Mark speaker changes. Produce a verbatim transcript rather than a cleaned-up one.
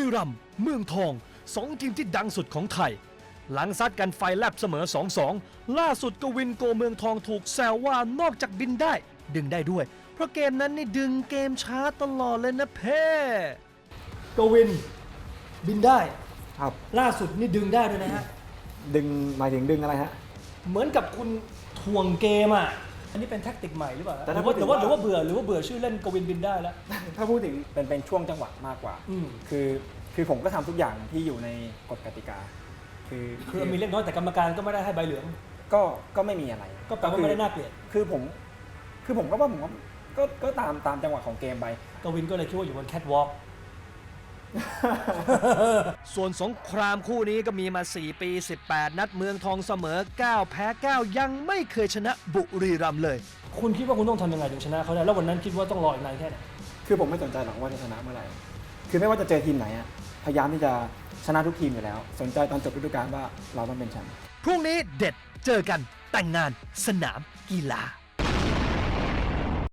Speaker 1: รัมย์เมืองทองสองทีมที่ดังสุดของไทยหลังซัดกันไฟแลบเสมอ สองสอง ล่าสุดกวินโกเมืองทองถูกแซวว่านอกจากบินได้ดึงได้ด้วยเพราะเกมนั้นนี่ดึงเกมช้าตลอดเลยนะเพ่กวินบินได้
Speaker 2: ครับ
Speaker 1: ล่าสุดนี่ดึงได้ด้วยนะฮะ
Speaker 2: ดึงหมายถึงดึงอะไรฮะ
Speaker 1: เหมือนกับคุณถ่วงเกมอ่ะอันนี้เป็นแท็กติกใหม่หรือเปล่า
Speaker 2: แต่
Speaker 1: ห
Speaker 2: ถ้า
Speaker 1: รือว่า
Speaker 2: พู
Speaker 1: ห
Speaker 2: ด
Speaker 1: รือ
Speaker 2: ถึง
Speaker 1: ว่าหรือ
Speaker 2: ว่า
Speaker 1: ว่าเบื่อหรือว่าเบื่อชื่อเล่นกวินบินได้แล้ว
Speaker 2: ถ้าพูดถึงเป็นเป็นช่วงจังหวะมากกว่า
Speaker 1: อืม
Speaker 2: คือคือผมก็ทำทุกอย่างที่อยู่ในกฎกติกา คือ
Speaker 1: คือมีเล็กน้อยแต่กรรมการก็ไม่ได้ให้ใบเหลือง
Speaker 2: ก็ก็ไม่มีอะไร
Speaker 1: ก็แปลว่าไม่ได้น่าเกลียด
Speaker 2: คือผมคือผมก็ว่าผมว่าก็ก็ตามตามจังหวะของเกมไป
Speaker 1: กวินก็เลยคิดว่าอยู่บนแคทวอล์ก ส่วนสงครามคู่นี้ก็มีมา สี่ ปี สิบแปด นัดเมืองทองเสมอ เก้า แพ้ เก้า ยังไม่เคยชนะบุรีรัมย์เลย คุณคิดว่าคุณต้องทำยังไงถึงชนะเขาได้แล้ววันนั้นคิดว่าต้องรออีกนานแค่ไหน
Speaker 2: คือผมไม่สนใจหรอกว่าจะชนะเมื่อไหร่ คือไม่ว่าจะเจอทีมไหนอะพยายามที่จะชนะทุกทีมอยู่แล้ว สนใจตอนจบฤดูกาลว่าเราต้องเป็นแชมป์
Speaker 1: พรุ่งนี้เด็ดเจอกันแต่งงานสนามกีฬา